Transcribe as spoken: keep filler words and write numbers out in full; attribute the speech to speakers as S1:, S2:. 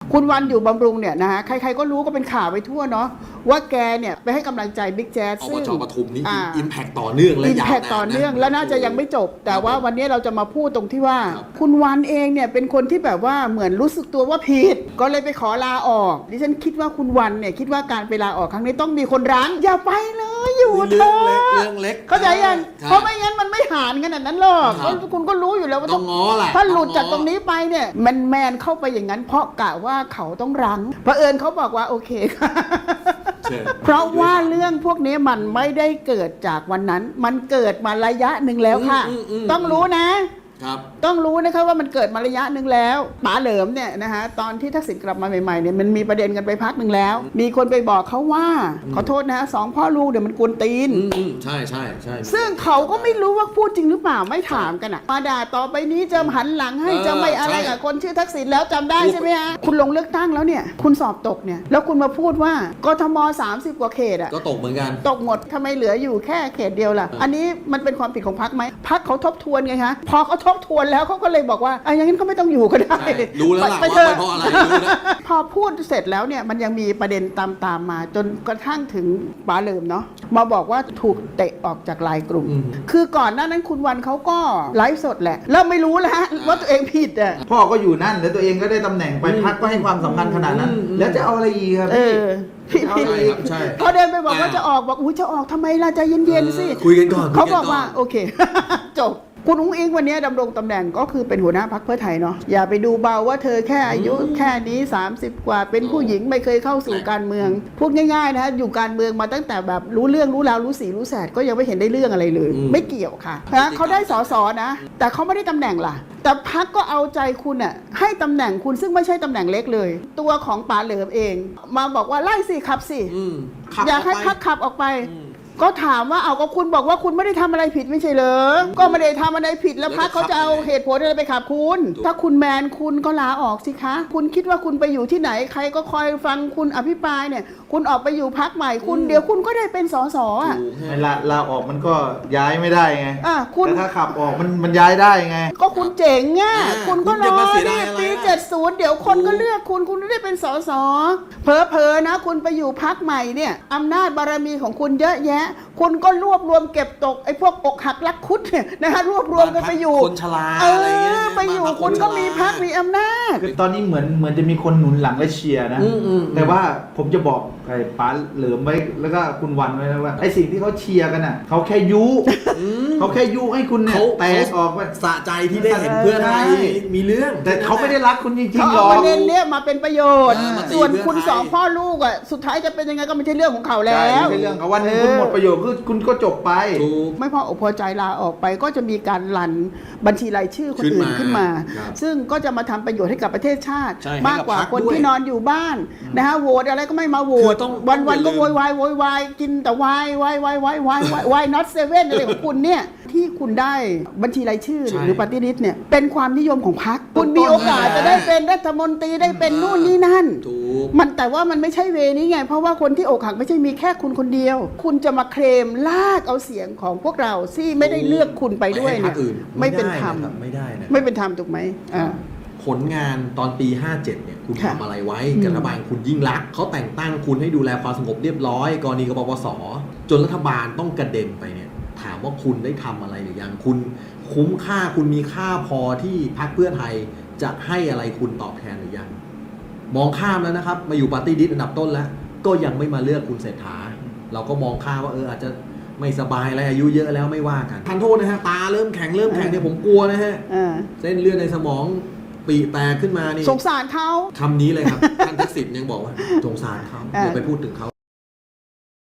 S1: คุณวันอยู่บำรุงเนี่ยนะฮะใครๆก็รู้ก็เป็นข่าวไปทั่วเนาะว่าแกเนี่ยไปให้กำลังใจบิ๊กแจ๊ส
S2: ซึ่งอบจปทุมนี่
S1: อิ
S2: อิมแพคต่อเนื่องและยาวนาน
S1: อิมแพคต่อเนื่องและน่าจะยังไม่จบแต่ว่าวันนี้เราจะมาพูดตรงที่ว่าคุณวันเองเนี่ยเป็นคนที่แบบว่าเหมือนรู้สึกตัวว่าผิดก็เลยไปขอลาออกดิฉันคิดว่าคุณวันเนี่ยคิดว่าการไปลาออกครั้งนี้ต้องมีคนรั้งอย่าไปเลยอยู่เถอะ
S2: เรื่องเล็ก
S1: เข้าใจยังเพราะไม่งั้นมันไม่หานขนาดนั้นหรอกคุณก็รู้อยู่แล้วว่า
S2: ต้องง้อแหละ
S1: ถ้าหลุดจากตรงนี้ไปเนี่ยแมนแมนเข้าไปอย่างนั้นเพราะกะว่าเขาต้องรั้งเผอิญเขาบอกว่าโอเคค่ะเพราะว่าเรื่องพวกนี้มันไม่ได้เกิดจากวันนั้นมันเกิดมาระยะหนึ่งแล้วค่ะต้องรู้นะต้องรู้นะคะว่ามันเกิดมาระยะหนึ่งแล้วป๋าเหลิมเนี่ยนะคะตอนที่ทักษิณกลับมาใหม่ๆเนี่ยมันมีประเด็นกันไปพักหนึ่งแล้วมีคนไปบอกเขาว่าขอโทษนะฮะสองพ่อลูกเดี๋ยวมันกวนตีน
S2: ใช่ใช่ใช่
S1: ซึ่งเขาก็ไม่รู้ว่าพูดจริงหรือเปล่าไม่ถามกันอ่ะมาด่าต่อไปนี้จะหันหลังให้จะไม่อะไรกับคนชื่อทักษิณแล้วจำได้ใช่ไหมฮะคุณลงเลือกตั้งแล้วเนี่ยคุณสอบตกเนี่ยแล้วคุณมาพูดว่ากทมสามสิบกว่าเขตอ่ะ
S2: ก็ตกเหมือนกัน
S1: ตกหมดทำไมเหลืออยู่แค่เขตเดียวล่ะอันนี้มันเป็นความผิดของพรรคไหมพรรคเขาทบทวนไงคะพอเขาทบทวนแล้วเขาก็เลยบอกว่าอ่ะอย่างนั้นก็ไม่ต้องอยู่ก็ได้
S2: รู้แล้วล่ะว่าเป็นเพราะอะไรรู้แล้ว
S1: พอพูดเสร็จแล้วเนี่ยมันยังมีประเด็นตามตามมาจนกระทั่งถึงป๋าเหลิมเนาะมาบอกว่าถูกเตะออกจากไลน์กลุ่มคือก่อนหน้านั้นคุณวันเขาก็ไลฟ์สดแหละแล้วไม่รู้แล้วว่าตัวเองผิดอ่ะ
S3: พ่อก็อยู่นั่นแล้วตัวเองก็ได้ตำแหน่งไปพรรคก็ให้ความสำคัญขนาดนั้นแล้วจะเอาอะไรอีกครับ
S1: พี่พี่พอเดินไปบอกว่าจะออกบอกอุ้ยจะออกทำไมล่ะใจเย็นๆสิ
S2: คุยกันก่อน
S1: เขาบอกว่าโอเคจบคุณอุ้งอิงวันนี้ดำรงตำแหน่งก็คือเป็นหัวหน้าพรรคเพื่อไทยเนาะอย่าไปดูเบาว่าเธอแค่อายุแค่นี้สามสิบกว่าเป็นผู้หญิงไม่เคยเข้าสู่การเมืองพูดง่ายๆนะอยู่การเมืองมาตั้งแต่แบบรู้เรื่องรู้ราวรู้สีรู้แสดก็ยังไม่เห็นได้เรื่องอะไรเลยไม่เกี่ยวค่ะนะเขาได้สสนะแต่เขาไม่ได้ตำแหน่งล่ะแต่พรรคก็เอาใจคุณอ่ะให้ตำแหน่งคุณซึ่งไม่ใช่ตำแหน่งเล็กเลยตัวของป๋าเหลิมเองมาบอกว่าไล่สิขับสิอยากให้พรรคขับออกไปก็ถามว่าเอาก็คุณบอกว่าคุณไม่ได้ทำอะไรผิดไม่ใช่เหรอก็ไม่ได้ทำอะไรผิดแล้วพรรคเขาจะเอาเหตุผลอะไรไปขับคุณถ้าคุณแมนคุณก็ลาออกสิคะคุณคิดว่าคุณไปอยู่ที่ไหนใครก็คอยฟังคุณอภิปรายเนี่ยคุณออกไปอยู่พรรคใหม่คุณเดี๋ยวคุณก็ได้เป็นสสอ่ะ
S3: ลาลาออกมันก็ย้ายไม่ได้ไง
S1: อ่ะคุณ
S3: แต่ถ้าขับออกมันมันย้ายได้ไง
S1: ก็คุณเจ๋งอ่ะคุณก็รอที่ปีเจ็ดสิบเดี๋ยวคนก็เลือกคุณคุณได้เป็นสสเผลอๆนะคุณไปอยู่พรรคใหม่เนี่ยอำนาจบารมีของคุณเยอะแยะคุณก็รวบรวมเก็บตกไอ้พวกอกหักรักคุดเนี่ยนะคะรวบรวมกันไปอยู่
S2: คนชราอะไรเงี้ย
S1: ไปอยู่คุณก็มีพรรคมีอำนาจ
S3: คือตอนนี้เหมือนเหมือนจะมีคนหนุนหลังและเชียร์นะแต่ว่าผมจะบอกไอ้ป๋าเหลิมไว้แล้วก็คุณวันไว้นะว่าไอ้สิ่งที่เขาเชียร์กันน่ะเขาแค่ยุเขาแค่ยุให้คุณเนี่ยแตกออกไป
S2: สะใจที่ได้เห็นเพื่อนไทยมีเรื่อง
S3: แต่เขาไม่ได้รักคุณจริงๆหรอก
S1: เขาเอาประเด็นเนี้ยมาเป็นประโยชน์ส่วนคุณสองพ่อลูกอ่ะสุดท้ายจะเป็นยังไงก็ไม่ใช่เรื่องของเขาแล้ว
S3: ไม่ใช่เรื่องเขาวันนึงคุณหมดประโยชน์คือคุณก็จบไป
S1: ไม่พออกพอใจลาออกไปก็จะมีการรันบัญชีรายชื่อคนอื่นขึ้นมาซึ่งก็จะมาทำประโยชน์ให้กับประเทศชาติมากกว่าคนที่นอนอยู่บ้านนะฮะโหวตอะไรก็ไม่มาโหวตวันวันก็โวยวายโวยวายกินแต่วายวายวายวายวายวาย not seven อะไรของคุณเนี่ยที่คุณได้บัญชีรายชื่อหรือปฏิริษีเนี่ยเป็นความนิยมของพรรคคุณมีโอกาสจะได้เป็นรัฐมนตรีได้เป็นนู่นนี่นั่นมันแต่ว่ามันไม่ใช่เวนี้ไงเพราะว่าคนที่อกหักไม่ใช่มีแค่คุณคนเดียวคุณจะมาเคลมลากเอาเสียงของพวกเราที่ไม่ได้เลือกคุณไปด้วยเนี่ยไม่เป็นธรรม
S2: ไม่ได้นะ
S1: ไม่เป็นธรรมถูกไหมอ่า
S2: ผลงานตอนปีห้าเจ็ดเนี่ยคุณทำอะไรไว้กับรัฐบาลคุณยิ่งรักเขาแต่งตั้งคุณให้ดูแลความสงบเรียบร้อยกรณีกบปสจนรัฐบาลต้องกระเด็นไปเนี่ยถามว่าคุณได้ทำอะไรหรือยังคุณคุ้มค่าคุณมีค่าพอที่พรรคเพื่อไทยจะให้อะไรคุณตอบแทนหรือยังมองข้ามแล้วนะครับมาอยู่ปาร์ตี้ลิสต์อันดับต้นแล้วก็ยังไม่มาเลือกคุณเศรษฐาเราก็มองข้ามว่าเอออาจจะไม่สบายอะไรอายุเยอะแล้วไม่ว่ากันทันโทษนะฮะตาเริ่มแข็งเริ่มแข็งเนี่ยผมกลัวนะฮะเส้นเลือดในสมองปีแตกขึ้นมานี่
S1: สงสารเขา
S2: คำนี้เลยครับท่านทักษิณยังบอกว่าสงสารเขาอย่าไปพูดถึงเขา